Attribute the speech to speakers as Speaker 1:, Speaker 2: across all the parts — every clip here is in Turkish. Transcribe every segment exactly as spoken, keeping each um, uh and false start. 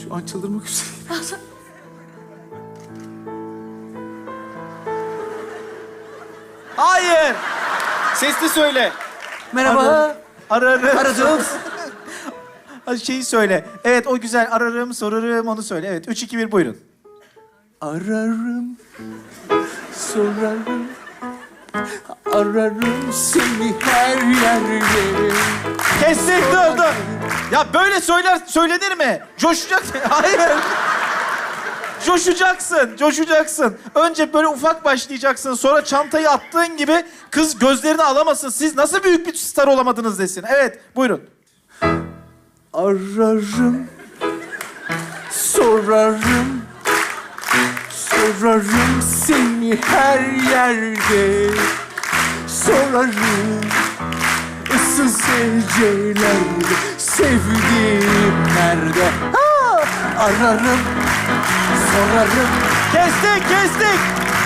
Speaker 1: Şu an çıldırmak üzereyim.
Speaker 2: Hayır. Sesli söyle.
Speaker 1: Merhaba.
Speaker 2: Ararım.
Speaker 1: Aradım.
Speaker 2: Şeyi söyle. Evet o güzel. Ararım, sorarım onu söyle. Evet. Üç, iki, bir buyurun.
Speaker 1: Ararım, sorarım, ararım seni her yerde.
Speaker 2: Kestik dur dur. Ya böyle söyler söylenir mi? Coşacaksın. Hayır. Coşacaksın, coşacaksın. Önce böyle ufak başlayacaksın. Sonra çantayı attığın gibi kız gözlerini alamasın. Siz nasıl büyük bir star olamadınız desin. Evet, buyurun.
Speaker 1: Ararım, sorarım, sorarım seni her yerde. Sorarım, ıssız gecelerde, sevdiğim nerede? Ha! Ararım, sorarım.
Speaker 2: Kestik, kestik.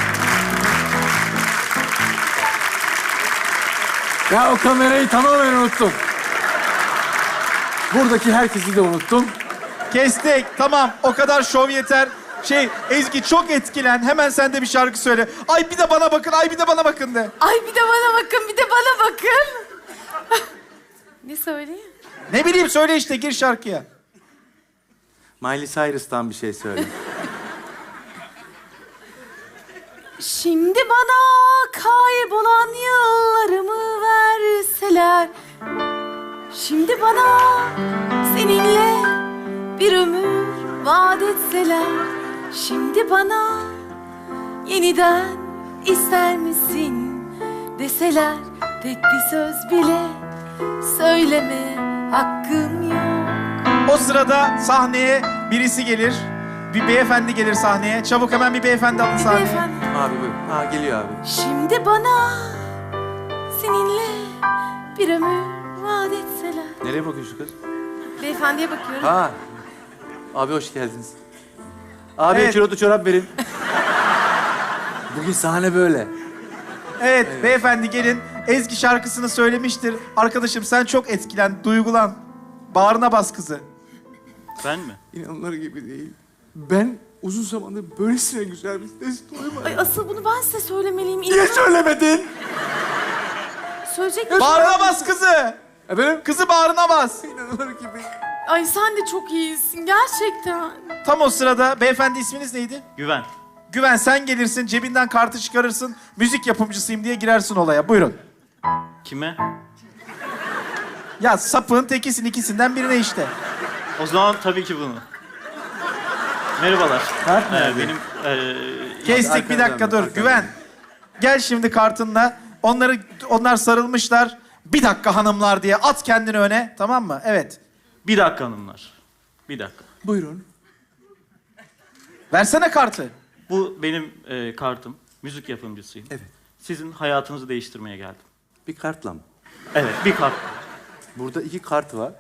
Speaker 1: Ya o kamerayı tamamen unuttum. Buradaki herkesi de unuttum.
Speaker 2: Kestik. Tamam, o kadar şov yeter. Şey, Ezgi çok etkilen. Hemen sen de bir şarkı söyle. Ay bir de bana bakın, ay bir de bana bakın de.
Speaker 3: Ay bir de bana bakın, bir de bana bakın. Ne söyleyeyim?
Speaker 2: Ne bileyim söyle işte, gir şarkıya.
Speaker 1: Miley Cyrus'tan bir şey söyle.
Speaker 3: Şimdi bana kaybolan yıllarımı verseler, şimdi bana seninle bir ömür vaat etseler, şimdi bana yeniden ister misin deseler, tek bir söz bile söyleme hakkım yok.
Speaker 2: O sırada sahneye birisi gelir. Bir beyefendi gelir sahneye. Çabuk hemen bir beyefendi alın sahneye.
Speaker 3: Beyefendi.
Speaker 1: Abi buyur. Ha geliyor abi.
Speaker 3: Şimdi bana seninle bir ömür vaat etseler.
Speaker 1: Nereye bakıyorsun kız?
Speaker 3: Beyefendiye bakıyorum.
Speaker 1: Ha. Abi hoş geldiniz. Abi
Speaker 2: Evet.
Speaker 1: kilotlu çorap verin. Bugün sahne böyle.
Speaker 2: Evet, beyefendi gelin. Ezgi şarkısını söylemiştir. Arkadaşım sen çok etkilen, duygulan. Bağrına bas kızı.
Speaker 4: Ben mi?
Speaker 1: İnanılır gibi değil. Ben uzun zamandır böylesine güzel bir ses duymadım.
Speaker 3: Ay asıl bunu ben size söylemeliyim.
Speaker 1: Niye
Speaker 3: İnan-
Speaker 1: söylemedin?
Speaker 3: Söyleyecek
Speaker 2: Bağrına bas kızı.
Speaker 1: Efendim?
Speaker 2: Kızı bağrına bas.
Speaker 1: İnanılır gibi.
Speaker 3: Ay sen de çok iyisin gerçekten.
Speaker 2: Tam o sırada beyefendi isminiz neydi?
Speaker 4: Güven.
Speaker 2: Güven sen gelirsin, cebinden kartı çıkarırsın. Müzik yapımcısıyım diye girersin olaya. Buyurun.
Speaker 4: Kime?
Speaker 2: Ya sapığın tekisin ikisinden birine işte.
Speaker 4: O zaman tabii ki bunu. Merhabalar.
Speaker 1: Kart
Speaker 4: Ee,
Speaker 1: nerede?
Speaker 4: benim ee,
Speaker 2: Kestik bir
Speaker 1: arkadan
Speaker 2: dakika
Speaker 1: mı?
Speaker 2: dur.
Speaker 1: Arkadan.
Speaker 2: Güven. Gel şimdi kartınla. Onları onlar sarılmışlar. Bir dakika hanımlar diye at kendini öne. Tamam mı? Evet.
Speaker 4: bir dakika hanımlar. Bir dakika.
Speaker 1: Buyurun.
Speaker 2: Versene kartı.
Speaker 4: Bu benim ee, kartım. Müzik yapımcısıyım.
Speaker 1: Evet.
Speaker 4: Sizin hayatınızı değiştirmeye geldim.
Speaker 1: Bir kartla mı?
Speaker 4: Evet, bir kart.
Speaker 1: Burada iki kart var.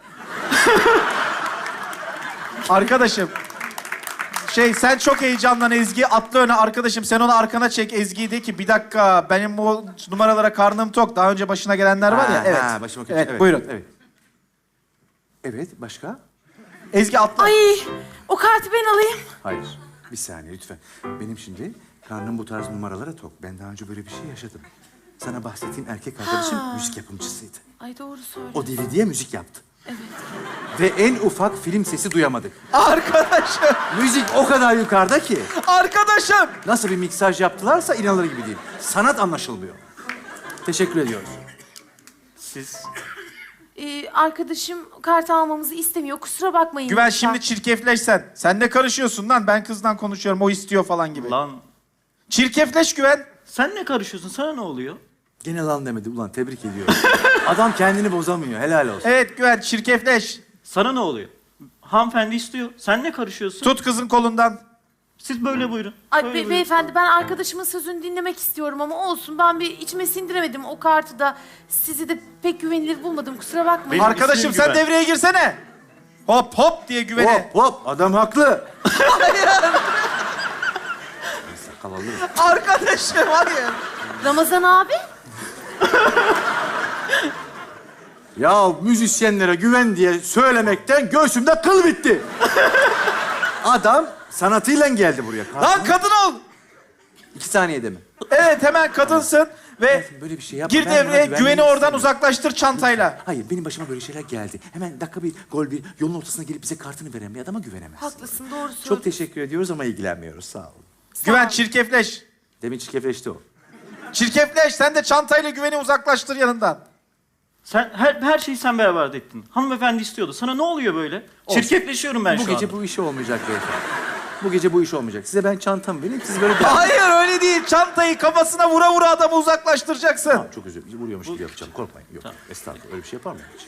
Speaker 2: Arkadaşım. Şey sen çok heyecanlan Ezgi. Atla öne arkadaşım. Sen onu arkana çek Ezgi'yi de ki bir dakika benim bu numaralara karnım tok. Daha önce başına gelenler var ya.
Speaker 1: Ha,
Speaker 2: Evet.
Speaker 1: ha, başıma kötü.
Speaker 2: Evet, buyurun.
Speaker 1: Evet. Evet, başka?
Speaker 2: Ezgi atla.
Speaker 3: Ay o kartı ben alayım.
Speaker 1: Hayır. Bir saniye lütfen. Benim şimdi karnım bu tarz numaralara tok. Ben daha önce böyle bir şey yaşadım. Sana bahsettiğim erkek arkadaşım
Speaker 3: Ha.
Speaker 1: müzik yapımcısıydı.
Speaker 3: Ay doğru söyle.
Speaker 1: O D V D'ye müzik yaptı. Evet. Ve en ufak film sesi duyamadık.
Speaker 2: Arkadaşım.
Speaker 1: Müzik o kadar yukarıda ki
Speaker 2: Arkadaşım.
Speaker 1: nasıl bir miksaj yaptılarsa inanılır gibi değil. Sanat anlaşılmıyor. Teşekkür ediyoruz.
Speaker 4: Siz
Speaker 3: Ee, arkadaşım kartı almamızı istemiyor. Kusura bakmayın.
Speaker 2: Güven
Speaker 3: lütfen.
Speaker 2: şimdi çirkefleş sen. Sen ne karışıyorsun lan? Ben kızdan konuşuyorum. O istiyor falan gibi.
Speaker 4: lan
Speaker 2: Çirkefleş Güven.
Speaker 4: sen ne karışıyorsun? Sana ne oluyor?
Speaker 1: Gene lan demedi. Ulan tebrik ediyorum. Adam kendini bozamıyor. Helal olsun.
Speaker 2: Evet Güven çirkefleş.
Speaker 4: Sana ne oluyor? Hanımefendi istiyor. Sen ne karışıyorsun?
Speaker 2: Tut kızın kolundan.
Speaker 4: Siz böyle buyurun.
Speaker 3: Ay
Speaker 4: Böyle
Speaker 3: be-
Speaker 4: buyurun.
Speaker 3: beyefendi ben arkadaşımın sözünü dinlemek istiyorum ama olsun. Ben bir içime sindiremedim o kartı da. Sizi de pek güvenilir bulmadım. Kusura bakmayın.
Speaker 4: Benim
Speaker 2: Arkadaşım
Speaker 4: ismim
Speaker 2: sen
Speaker 4: Güven.
Speaker 2: devreye girsene. Hop hop diye Güven'e.
Speaker 1: Hop hop adam haklı. Sakal alır.
Speaker 2: Arkadaşım hayır.
Speaker 3: Ramazan abi.
Speaker 1: Ya müzisyenlere güven diye söylemekten göğsümde kıl bitti. Adam sanatıyla geldi buraya.
Speaker 2: Lan kadın ol!
Speaker 1: İki saniyede mi?
Speaker 2: Evet hemen kadınsın ve
Speaker 1: Böyle bir şey yapma.
Speaker 2: gir
Speaker 1: Ben buna
Speaker 2: devreye,
Speaker 1: güvenmeyi
Speaker 2: güveni oradan
Speaker 1: istemiyorum.
Speaker 2: uzaklaştır çantayla.
Speaker 1: Hayır, benim başıma böyle şeyler geldi. Hemen dakika bir, gol bir, yolun ortasına gelip bize kartını veren bir adama güvenemez.
Speaker 3: Haklısın, doğru söylüyorsun.
Speaker 1: Çok teşekkür ediyoruz ama ilgilenmiyoruz. Sağ olun.
Speaker 2: Güven
Speaker 3: ol.
Speaker 2: çirkefleş.
Speaker 1: Demin çirkefleşti o.
Speaker 2: Çirkefleş, sen de çantayla güveni uzaklaştır yanından.
Speaker 4: Sen her, her şeyi sen beraber ettin. Hanımefendi istiyordu. Sana ne oluyor böyle?
Speaker 1: Olsun.
Speaker 4: Çirkefleşiyorum ben
Speaker 1: Bu
Speaker 4: şu
Speaker 1: gece
Speaker 4: anda.
Speaker 1: bu iş olmayacak beyefendi. Bu gece bu iş olmayacak. Size ben çantamı vereyim, siz böyle...
Speaker 2: Hayır öyle değil, çantayı kafasına vura vura adamı uzaklaştıracaksın.
Speaker 1: Tamam, çok özür dilerim. Vuruyormuş gibi yapacağım. Korkmayın. Yok, estağfurullah. Öyle bir şey yapar mıyım hiç?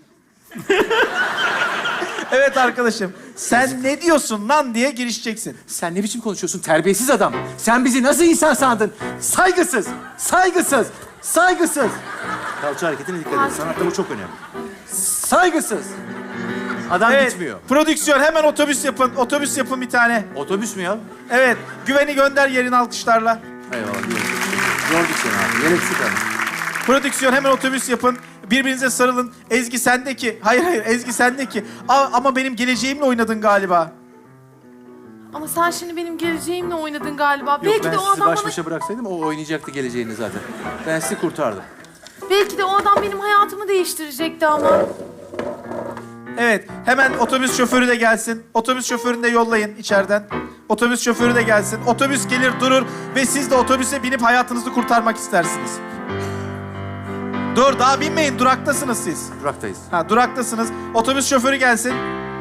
Speaker 2: Evet arkadaşım, sen ne diyorsun lan diye girişeceksin.
Speaker 1: Sen ne biçim konuşuyorsun terbiyesiz adam? Sen bizi nasıl insan sandın? Saygısız, saygısız, saygısız. Kalça hareketine dikkat et. Sanatta bu çok önemli. Saygısız. Adam
Speaker 2: Evet,
Speaker 1: gitmiyor.
Speaker 2: prodüksiyon hemen otobüs yapın, otobüs yapın bir tane.
Speaker 1: Otobüs mü ya?
Speaker 2: Evet, güveni gönder yerin alkışlarla.
Speaker 1: Eyvallah. Yorduk seni abi. Yer eksik abi.
Speaker 2: Prodüksiyon hemen otobüs yapın. Birbirinize sarılın. Ezgi sendeki. Hayır hayır Ezgi sendeki. Aa, ama benim geleceğimle oynadın galiba.
Speaker 3: Ama sen şimdi benim geleceğimle oynadın galiba.
Speaker 1: Yok,
Speaker 3: belki
Speaker 1: ben
Speaker 3: de o
Speaker 1: sizi
Speaker 3: adam
Speaker 1: baş
Speaker 3: bana...
Speaker 1: başa bıraksaydım o oynayacaktı geleceğini zaten. Ben sizi kurtardım.
Speaker 3: Belki de o adam benim hayatımı değiştirecekti ama.
Speaker 2: Evet, hemen otobüs şoförü de gelsin. Otobüs şoförünü de yollayın içeriden. Otobüs şoförü de gelsin. Otobüs gelir durur ve siz de otobüse binip hayatınızı kurtarmak istersiniz. Dur, daha binmeyin. Duraktasınız siz.
Speaker 1: Duraktayız.
Speaker 2: Ha, duraktasınız. Otobüs şoförü gelsin.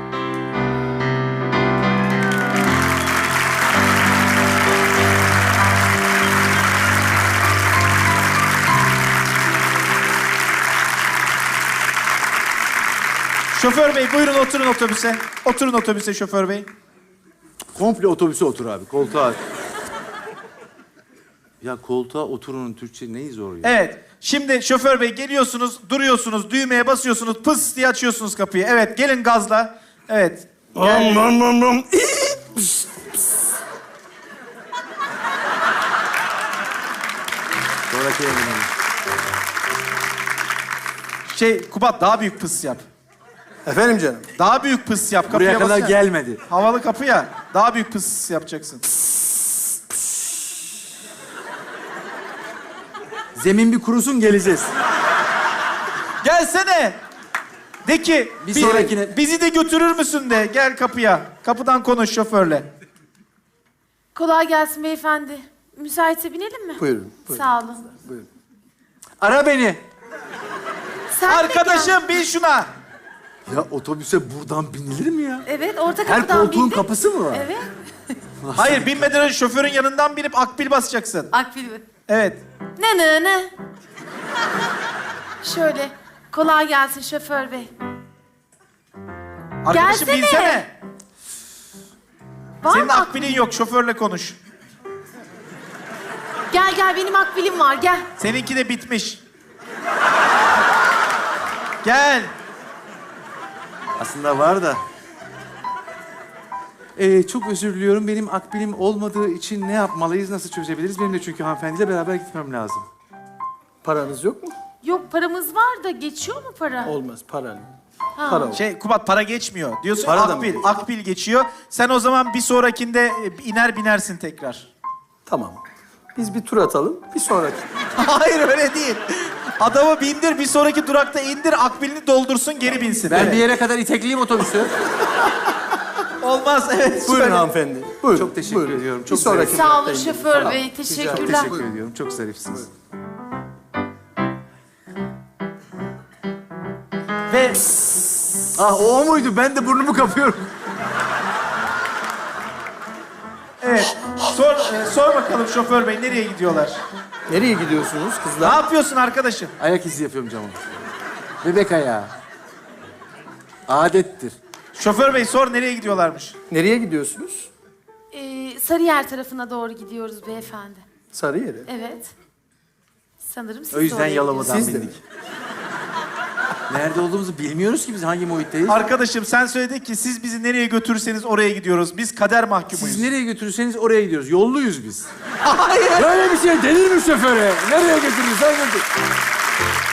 Speaker 2: Şoför bey buyurun oturun otobüse. Oturun otobüse şoför bey.
Speaker 1: Komple otobüse otur abi. Koltuğa. Ya koltuğa oturunun Türkçe neyi zor ya?
Speaker 2: Evet. Şimdi şoför bey geliyorsunuz, duruyorsunuz, düğmeye basıyorsunuz, pıs diye açıyorsunuz kapıyı. Evet, gelin gazla. Evet. Gel.
Speaker 1: Sonraki eminim.
Speaker 2: Şey, Kubat daha büyük pıs yap.
Speaker 5: Efendim canım.
Speaker 2: Daha büyük pıs yap. Kapıya
Speaker 1: Buraya kadar
Speaker 2: basana.
Speaker 1: gelmedi.
Speaker 2: Havalı kapı ya. Daha büyük pıs yapacaksın.
Speaker 1: Zemin bir kurusun geleceğiz.
Speaker 2: Gelsene. De ki
Speaker 1: Bir
Speaker 2: bi-
Speaker 1: sonrakine-
Speaker 2: bizi de götürür müsün de. Gel kapıya. Kapıdan konuş şoförle.
Speaker 3: Kolay gelsin beyefendi. Müsaitse binelim mi?
Speaker 5: Buyurun. buyurun.
Speaker 3: Sağ olun.
Speaker 1: Ara beni.
Speaker 3: Sen de gel.
Speaker 2: Arkadaşım bin şuna.
Speaker 1: Ya otobüse buradan binilir mi ya?
Speaker 3: Evet, orta
Speaker 1: Her
Speaker 3: kapıdan
Speaker 1: koltuğun
Speaker 3: bindik.
Speaker 1: kapısı mı var?
Speaker 3: Evet.
Speaker 2: Hayır binmeden önce şoförün yanından binip akbil basacaksın.
Speaker 3: Akbil.
Speaker 2: Evet.
Speaker 3: Ne ne ne? Şöyle. Kolay gelsin şoför bey.
Speaker 2: Arkadaşım
Speaker 3: Gelsene.
Speaker 2: binsene.
Speaker 3: Var
Speaker 2: Senin
Speaker 3: mı ak-
Speaker 2: akbilin yok şoförle konuş.
Speaker 3: Gel gel, benim akbilim var, gel.
Speaker 2: Seninki de bitmiş. Gel.
Speaker 1: Aslında var da. Ee, çok özür diliyorum. Benim akbilim olmadığı için ne yapmalıyız, nasıl çözebiliriz? Benim de çünkü hanımefendiyle beraber gitmem lazım.
Speaker 5: Paranız yok mu?
Speaker 3: Yok, paramız var da geçiyor mu para?
Speaker 5: Olmaz. Para.
Speaker 3: Ha.
Speaker 5: Para ol.
Speaker 2: Şey Kubat para geçmiyor. Diyorsun
Speaker 5: Para da mı
Speaker 2: akbil.
Speaker 5: geçiyor?
Speaker 2: Akbil geçiyor. Sen o zaman bir sonrakinde e, iner binersin tekrar.
Speaker 5: Tamam. Biz bir tur atalım. Bir sonraki.
Speaker 2: Hayır öyle değil. Adamı bindir bir sonraki durakta indir akbilini doldursun geri binsin.
Speaker 1: Ben
Speaker 2: Evet.
Speaker 1: bir yere kadar itekleyeyim otobüsü.
Speaker 2: Olmaz evet.
Speaker 5: Buyurun
Speaker 2: söyle.
Speaker 5: hanımefendi. Buyurun.
Speaker 1: Çok teşekkür
Speaker 5: buyurun.
Speaker 1: ediyorum.
Speaker 5: Bir
Speaker 1: Çok
Speaker 5: sonraki
Speaker 1: zarif.
Speaker 3: Sağ olun
Speaker 5: duraktayım.
Speaker 3: şoför
Speaker 5: Tamam.
Speaker 3: bey,
Speaker 1: Çok
Speaker 3: teşekkürler.
Speaker 1: teşekkür ediyorum. Çok zarifsiniz.
Speaker 2: Ve
Speaker 1: Ah o muydu? Ben de burnumu kapıyorum.
Speaker 2: evet. Sor, e, sor bakalım şoför bey nereye gidiyorlar?
Speaker 5: Nereye gidiyorsunuz
Speaker 2: Ne
Speaker 5: kızlar?
Speaker 2: yapıyorsun arkadaşım?
Speaker 1: Ayak izi yapıyorum camı. Bebek ayağı. Adettir.
Speaker 2: Şoför bey sor nereye gidiyorlarmış?
Speaker 5: Nereye gidiyorsunuz?
Speaker 3: Ee, Sarıyer tarafına doğru gidiyoruz beyefendi.
Speaker 5: Sarıyer'e.
Speaker 3: Evet. Sanırım siz
Speaker 1: O yüzden
Speaker 3: de oraya
Speaker 1: Yalova'dan
Speaker 5: Siz de
Speaker 1: bindik. Nerede olduğumuzu bilmiyoruz ki biz hangi muhitteyiz.
Speaker 2: Arkadaşım sen söyledin ki siz bizi nereye götürürseniz oraya gidiyoruz. Biz kader mahkumuyuz.
Speaker 1: Siz nereye götürürseniz oraya gidiyoruz. Yolluyuz biz.
Speaker 2: Hayır.
Speaker 1: Böyle bir şey denir mi şoföre? Nereye götürürsen götür.